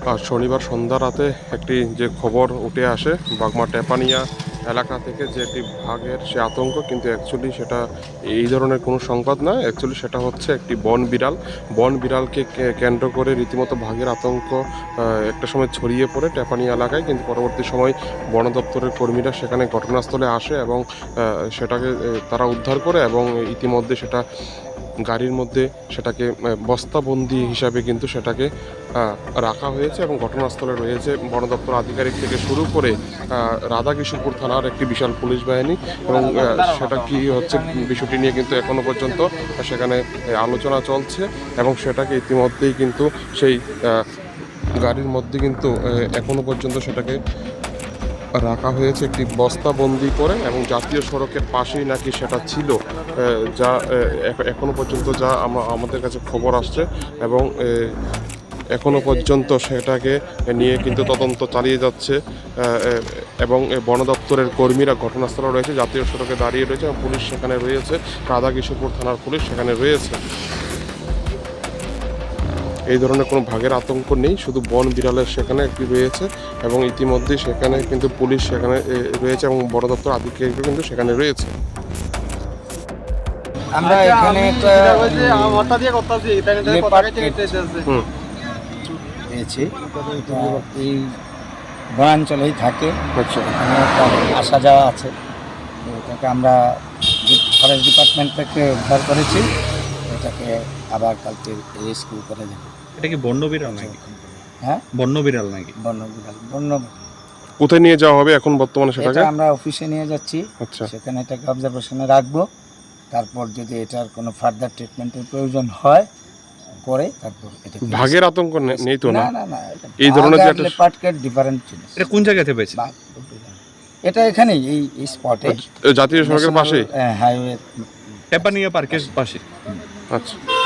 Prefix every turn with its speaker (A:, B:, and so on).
A: আর শনিবার সন্ধ্যা রাতে একটি যে খবর উঠে আসে বাগমা টেপানিয়া এলাকা থেকে, যে একটি বাঘের সে আতঙ্ক, কিন্তু অ্যাকচুয়ালি সেটা এই ধরনের কোনো সংবাদ না। অ্যাকচুয়ালি সেটা হচ্ছে একটি বন বিড়ালকে কেন্দ্র করে রীতিমতো বাঘের আতঙ্ক একটা সময় ছড়িয়ে পড়ে টেপানিয়া এলাকায়, কিন্তু পরবর্তী সময় বন দপ্তরের কর্মীরা সেখানে ঘটনাস্থলে আসে এবং সেটাকে তারা উদ্ধার করে এবং ইতিমধ্যে সেটা গাড়ির মধ্যে সেটাকে বস্তাবন্দি হিসাবে কিন্তু সেটাকে রাখা হয়েছে এবং ঘটনাস্থলে রয়েছে বন দপ্তর আধিকারিক থেকে শুরু করে রাধাকিশোরপুর থানার একটি বিশাল পুলিশ বাহিনী। এবং সেটা কি হচ্ছে বিষয়টি নিয়ে কিন্তু এখনো পর্যন্ত সেখানে আলোচনা চলছে এবং সেটাকে ইতিমধ্যেই কিন্তু সেই গাড়ির মধ্যে কিন্তু এখনো পর্যন্ত সেটাকে রাখা হয়েছে একটি বস্তাবন্দি করে, এবং জাতীয় সড়কের পাশেই নাকি সেটা ছিল, যা এখনো পর্যন্ত যা আমাদের কাছে খবর আসছে। এবং এখনো পর্যন্ত সেটাকে নিয়ে কিন্তু তদন্ত চালিয়ে যাচ্ছে এবং বন দপ্তরের কর্মীরা ঘটনাস্থলে রয়েছে, জাতীয় সড়কে দাঁড়িয়ে রয়েছে এবং পুলিশ সেখানে রয়েছে, রাধাকিশোরপুর থানার পুলিশ সেখানে রয়েছে। এই ধরনের কোনো ভাগের আতঙ্ক নেই, শুধু বন বিড়ালের সেখানে একটি রয়েছে এবং ইতিমধ্যেই সেখানে কিন্তু পুলিশ সেখানে রয়েছে এবং বন দপ্তর আধিকারিকও কিন্তু সেখানে রয়েছে।
B: আমরা এখানে একটা পেয়েছি, এই বনাঞ্চলেই থাকে,
A: আচ্ছা,
B: এখানে তার আসা যাওয়া আছে। তো এটাকে আমরা ফরেস্ট ডিপার্টমেন্ট থেকে উদ্ধার করেছি, এটাকে আবার কালকে রেস্কিউ করে দেব।
C: এটা কি বন্য বিড়াল নাকি?
B: হ্যাঁ,
C: বন্য বিড়াল নাকি?
B: বন্য বিড়াল।
A: কোথায় নিয়ে যাওয়া হবে এখন বর্তমানে সেটাকে?
B: এটা আমরা অফিসে নিয়ে যাচ্ছি,
A: আচ্ছা,
B: সেখানে এটাকে অবজারভেশনে রাখবো। তারপর যদি এটার কোনো ফার্দার ট্রিটমেন্টের প্রয়োজন হয় করে তারপর এটা
A: ভাগের আতঙ্ক নেই তো? না,
B: না না,
A: এই ধরনের যে
B: লেপার্ড ডিফারেন্ট জিনিস।
C: এটা কোন জায়গাতে পেয়েছে?
B: এটা এখানেই এই স্পটে,
A: জাতীয় সড়কের পাশে,
B: হাইওয়ে
C: টেপানিয়া পার্কের পাশে।
A: আচ্ছা।